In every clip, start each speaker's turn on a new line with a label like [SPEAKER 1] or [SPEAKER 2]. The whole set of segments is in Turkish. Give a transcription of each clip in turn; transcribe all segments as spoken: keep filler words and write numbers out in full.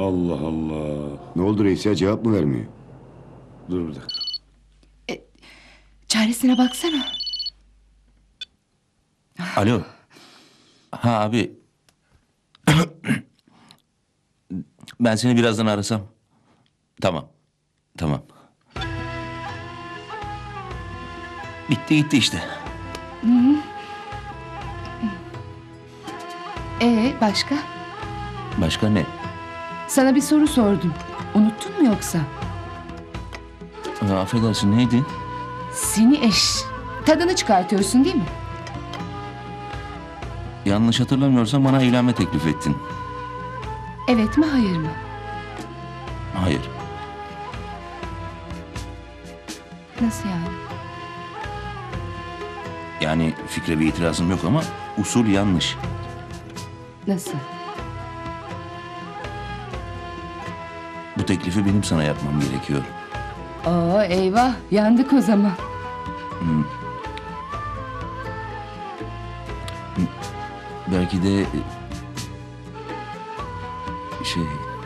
[SPEAKER 1] Allah Allah.
[SPEAKER 2] Ne oldu reis ya, cevap mı vermiyor?
[SPEAKER 1] Dur bir dakika.
[SPEAKER 3] Çaresine baksana.
[SPEAKER 4] Alo. Ha abi. Ben seni birazdan arasam. Tamam. Tamam. Bitti gitti işte.
[SPEAKER 3] Ee başka?
[SPEAKER 4] Başka ne?
[SPEAKER 3] Sana bir soru sordum. Unuttun mu yoksa?
[SPEAKER 4] Ha, affedersin neydi?
[SPEAKER 3] Seni eş. Tadını çıkartıyorsun değil mi?
[SPEAKER 4] Yanlış hatırlamıyorsam bana evlenme teklif ettin.
[SPEAKER 3] Evet mi hayır mı?
[SPEAKER 4] Hayır.
[SPEAKER 3] Nasıl yani?
[SPEAKER 4] Yani fikre bir itirazım yok ama usul yanlış.
[SPEAKER 3] Nasıl?
[SPEAKER 4] Bu teklifi benim sana yapmam gerekiyor.
[SPEAKER 3] Oo eyvah yandık o zaman.
[SPEAKER 4] Belki de şey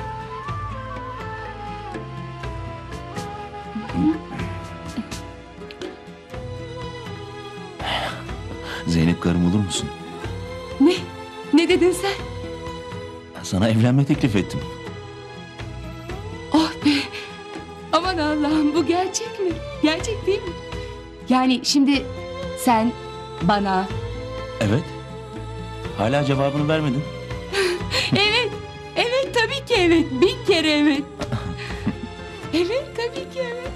[SPEAKER 4] Zeynep karım olur musun?
[SPEAKER 3] Ne? Ne dedin sen?
[SPEAKER 4] Sana evlenme teklif ettim.
[SPEAKER 3] Oh be! Aman Allah'ım bu gerçek mi? Gerçek değil mi? Yani şimdi sen bana...
[SPEAKER 4] Evet. Hala cevabını vermedin.
[SPEAKER 3] Evet, evet tabii ki evet. Bin kere evet. Evet tabii ki evet.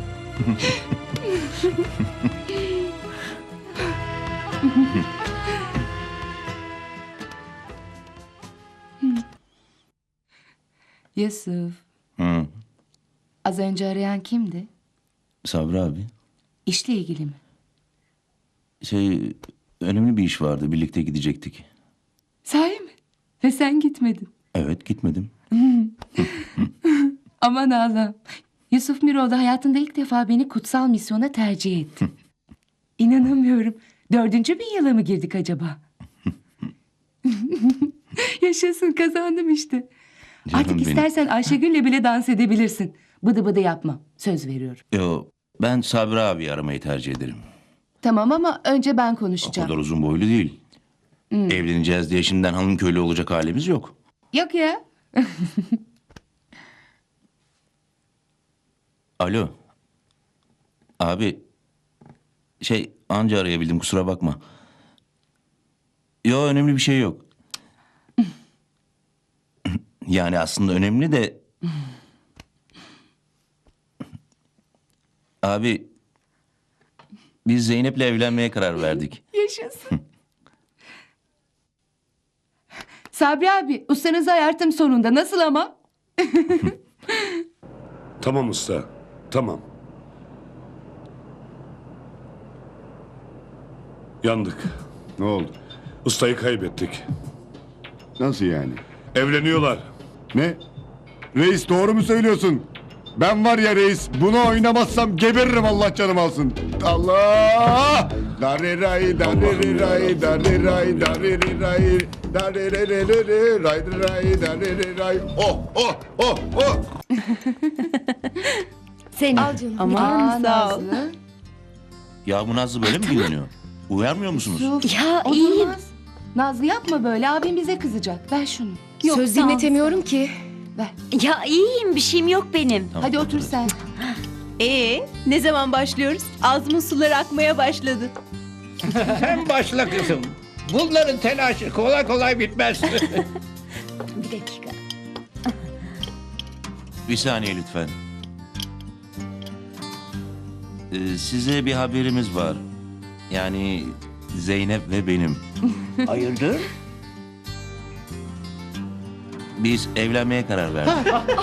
[SPEAKER 3] Yusuf,
[SPEAKER 4] Hı.
[SPEAKER 3] az önce arayan kimdi?
[SPEAKER 4] Sabri abi.
[SPEAKER 3] İşle ilgili mi?
[SPEAKER 4] Şey önemli bir iş vardı. Birlikte gidecektik.
[SPEAKER 3] Sahi mi? Ve sen gitmedin.
[SPEAKER 4] Evet gitmedim.
[SPEAKER 3] Aman Allah'ım. Yusuf Miroğlu hayatında ilk defa beni kutsal misyona tercih etti. İnanamıyorum. Dördüncü bin yıla mı girdik acaba? Yaşasın kazandım işte.
[SPEAKER 4] Canım
[SPEAKER 3] Artık
[SPEAKER 4] benim.
[SPEAKER 3] istersen Ayşegül'le bile dans edebilirsin. Bıdı bıdı yapma. Söz veriyorum.
[SPEAKER 4] Yo, ben Sabri abi aramayı tercih ederim.
[SPEAKER 3] Tamam ama önce ben
[SPEAKER 4] O
[SPEAKER 3] konuşacağım.
[SPEAKER 4] kadar uzun boylu değil. Evleneceğiz diye şimdiden hanım köylü olacak halimiz yok.
[SPEAKER 3] Yok ya.
[SPEAKER 4] Alo. Abi. Şey anca arayabildim kusura bakma. Yo önemli bir şey yok. Yani aslında önemli de... Abi. Biz Zeynep'le evlenmeye karar verdik.
[SPEAKER 3] Yaşasın. Sabri abi ustanızı ayarttım sonunda. Nasıl ama?
[SPEAKER 1] Tamam usta. Tamam. Yandık.
[SPEAKER 2] Ne oldu?
[SPEAKER 1] Ustayı kaybettik.
[SPEAKER 2] Nasıl yani?
[SPEAKER 1] Evleniyorlar.
[SPEAKER 2] Ne? Reis doğru mu söylüyorsun? Ben var ya reis, bunu oynamazsam geberirim, Allah canım alsın. Allah! Dariray dariray dariray dariray dariray dariray. Oh oh oh oh.
[SPEAKER 5] Seni.
[SPEAKER 6] Al canım.
[SPEAKER 3] Aman
[SPEAKER 6] Sağ ol.
[SPEAKER 3] Nazlı.
[SPEAKER 4] Ya bu Nazlı böyle mi giyiniyor? Uyarmıyor musunuz?
[SPEAKER 3] Yusuf,
[SPEAKER 5] Ya
[SPEAKER 3] o
[SPEAKER 5] iyiyim.
[SPEAKER 3] durmaz. Nazlı yapma böyle. Abim bize kızacak. Ver şunu.
[SPEAKER 6] Söz
[SPEAKER 3] sağ ol.
[SPEAKER 6] dinletemiyorum ki.
[SPEAKER 3] Ver.
[SPEAKER 5] Ya iyiyim, bir şeyim yok benim.
[SPEAKER 4] Tamam,
[SPEAKER 3] Hadi otur sen.
[SPEAKER 6] Ee, ne zaman başlıyoruz? Ağzımın suları akmaya başladı.
[SPEAKER 7] Sen başla kızım. Bunların telaşı kolay kolay bitmez.
[SPEAKER 5] Bir dakika.
[SPEAKER 4] Bir saniye lütfen. Ee, size bir haberimiz var. Yani Zeynep ve benim.
[SPEAKER 7] Hayırdır?
[SPEAKER 4] Biz evlenmeye karar verdik.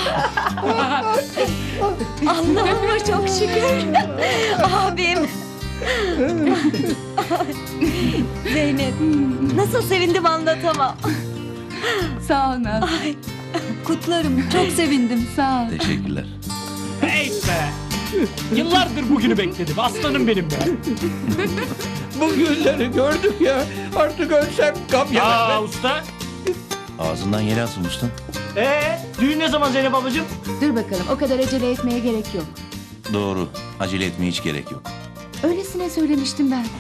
[SPEAKER 5] Allah'ıma çok şükür. Abim. Zeynep, nasıl sevindim anlatamam.
[SPEAKER 3] Sağ ol Nazlı.
[SPEAKER 5] Ay, kutlarım, çok sevindim.
[SPEAKER 3] Sağ ol.
[SPEAKER 4] Teşekkürler.
[SPEAKER 7] Hey be! Yıllardır bugünü bekledim. Aslanım benim be. Bu günleri gördük ya. Artık ölsem gam yemem.
[SPEAKER 8] Aa usta.
[SPEAKER 4] Ağzından yel alsın usta.
[SPEAKER 8] Ee, düğün ne zaman Zeynep ablacığım?
[SPEAKER 3] Dur bakalım, o kadar acele etmeye gerek yok.
[SPEAKER 4] Doğru. Acele etmeye hiç gerek yok.
[SPEAKER 3] Öylesine söylemiştim ben.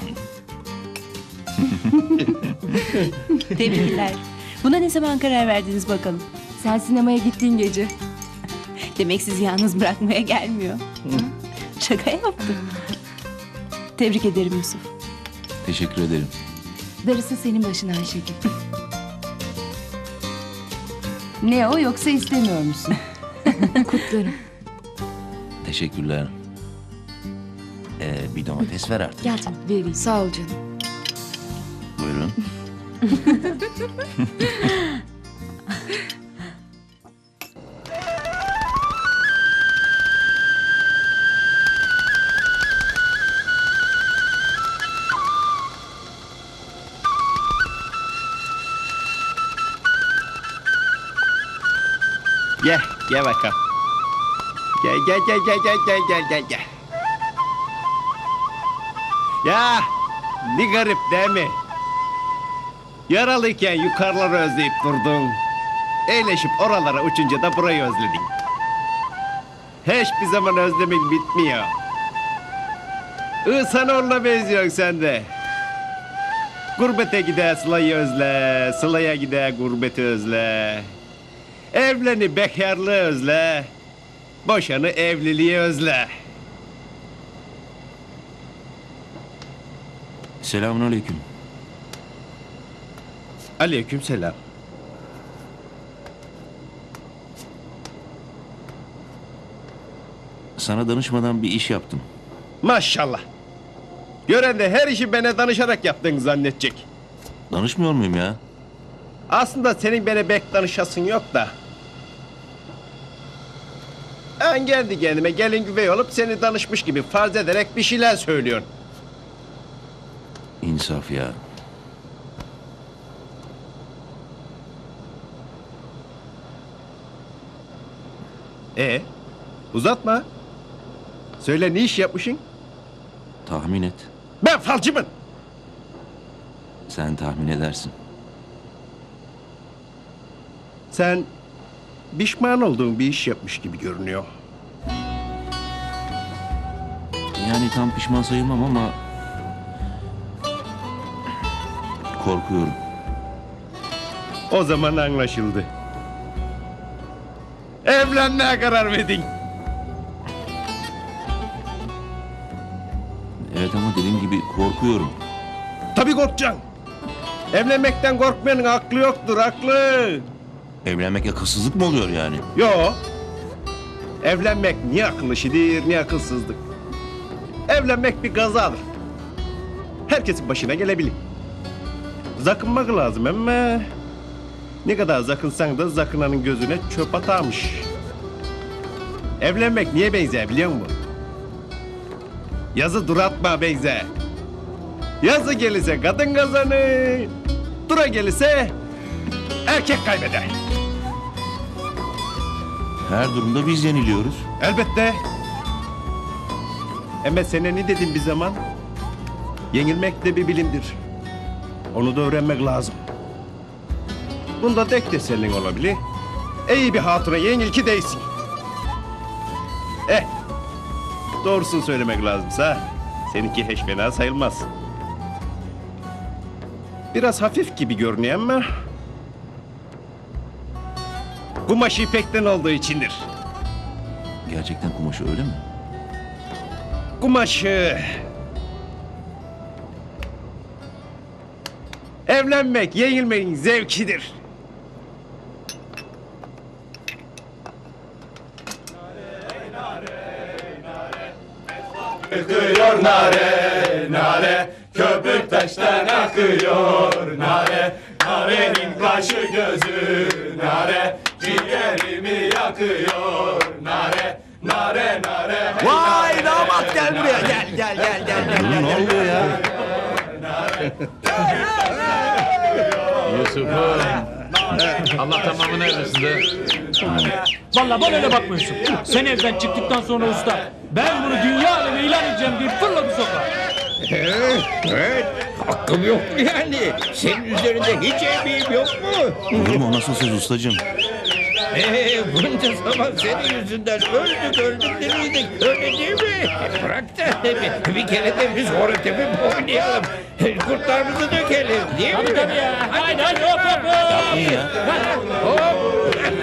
[SPEAKER 6] Tebrikler. Buna ne zaman karar verdiniz bakalım?
[SPEAKER 3] Sen sinemaya gittiğin gece.
[SPEAKER 6] Demek sizi yalnız bırakmaya gelmiyor. Şaka yaptım. Tebrik ederim Yusuf.
[SPEAKER 4] Teşekkür ederim.
[SPEAKER 3] Darısı senin başına Ayşegül. Ne o, yoksa istemiyor musun? Kutlarım.
[SPEAKER 4] Teşekkürler. Ee, bir domates ver artık.
[SPEAKER 3] Gel canım, vereyim. Sağ ol canım.
[SPEAKER 4] Buyurun.
[SPEAKER 9] Gel, gel bakalım. Gel, gel, gel, gel, gel, gel, gel, gel, gel. Ya, ne garip değil mi? Yaralıyken yukarıları özleyip durdun. Eğleşip oralara uçunca da burayı özledin. Hiçbir zaman özlemek bitmiyor. İhsanoğlu'na benziyorsun sen de. Gurbete gider Sıla'yı özle, Sıla'ya gider gurbeti özle. Evleni bekarlığı özle, boşanı evliliği özle.
[SPEAKER 4] Selamünaleyküm.
[SPEAKER 9] Aleykümselam.
[SPEAKER 4] Sana danışmadan bir iş yaptım.
[SPEAKER 9] Maşallah. Gören de her işi bana danışarak yaptığını zannedecek.
[SPEAKER 4] Danışmıyor muyum ya?
[SPEAKER 9] Aslında senin bana bek danışasın yok da. Ben kendi kendime gelin güvey olup seni danışmış gibi farz ederek bir şeyler söylüyorsun.
[SPEAKER 4] İnsaf ya.
[SPEAKER 9] E uzatma. Söyle ne iş yapmışsın?
[SPEAKER 4] Tahmin et.
[SPEAKER 9] Ben falcımın.
[SPEAKER 4] Sen tahmin edersin.
[SPEAKER 9] Sen pişman olduğun bir iş yapmış gibi görünüyor.
[SPEAKER 4] Yani tam pişman sayılmam ama... korkuyorum.
[SPEAKER 9] O zaman anlaşıldı. Evlenmeye karar verdin.
[SPEAKER 4] Evet ama dediğim gibi korkuyorum.
[SPEAKER 9] Tabii korkacaksın. Evlenmekten korkmayanın aklı yoktur, aklı.
[SPEAKER 4] Evlenmek akılsızlık mı oluyor yani?
[SPEAKER 9] Yo. Evlenmek niye akıl işidir, niye akılsızlık. Evlenmek bir kazadır. Herkesin başına gelebilir. Zakınmak lazım ama... ne kadar zakınsan da zakınanın gözüne çöp atarmış. Evlenmek niye benzer biliyor musun? Yazı duratma benzer. Yazı gelirse kadın kazanır. Dura gelirse erkek kaybeder.
[SPEAKER 4] Her durumda biz yeniliyoruz.
[SPEAKER 9] Elbette. Ama sana ne dedim bir zaman? Yenilmek de bir bilimdir. Onu da öğrenmek lazım. Bunda tek tesellin olabilir. İyi bir hatuna yenil ki değsin. Eh, doğrusunu söylemek lazımsa seninki hiç fena sayılmaz. Biraz hafif gibi görünüyor ama... kumaşı ipekten olduğu içindir.
[SPEAKER 4] Gerçekten kumaşı öyle mi?
[SPEAKER 9] Kumaşı... evlenmek, yenilmenin zevkidir.
[SPEAKER 10] Akıyor nare, nare, köpük taştan akıyor nare, narenin kaşı gözü nare, ciğerimi yakıyor nare, nare, nare.
[SPEAKER 9] Vay damat gel buraya, gel, gel, gel, gel, gel.
[SPEAKER 4] Ne oluyor ya?
[SPEAKER 10] Yusuf'um, Allah tamamını erdirsin de.
[SPEAKER 8] Vallahi bana öyle bakmıyorsun. Sen evden çıktıktan sonra usta, ben bunu dünya alemi ilan edeceğim diye fırladı sokağa.
[SPEAKER 7] Evet, evet. Hakkım yok mu yani? Senin üzerinde hiç emeğim yok mu?
[SPEAKER 4] Olur mu? O nasıl söz ustacığım?
[SPEAKER 7] Ee, bunca zaman senin yüzünden öldük öldük demedik. Öyle değil mi? Bırak da bir, bir kere de biz hora tepip oynayalım. Kurtlarımızı dökelim değil mi?
[SPEAKER 8] Tabii tabii ya. Haydi hadi hop hop hop.
[SPEAKER 4] İyi ya.
[SPEAKER 7] Hop.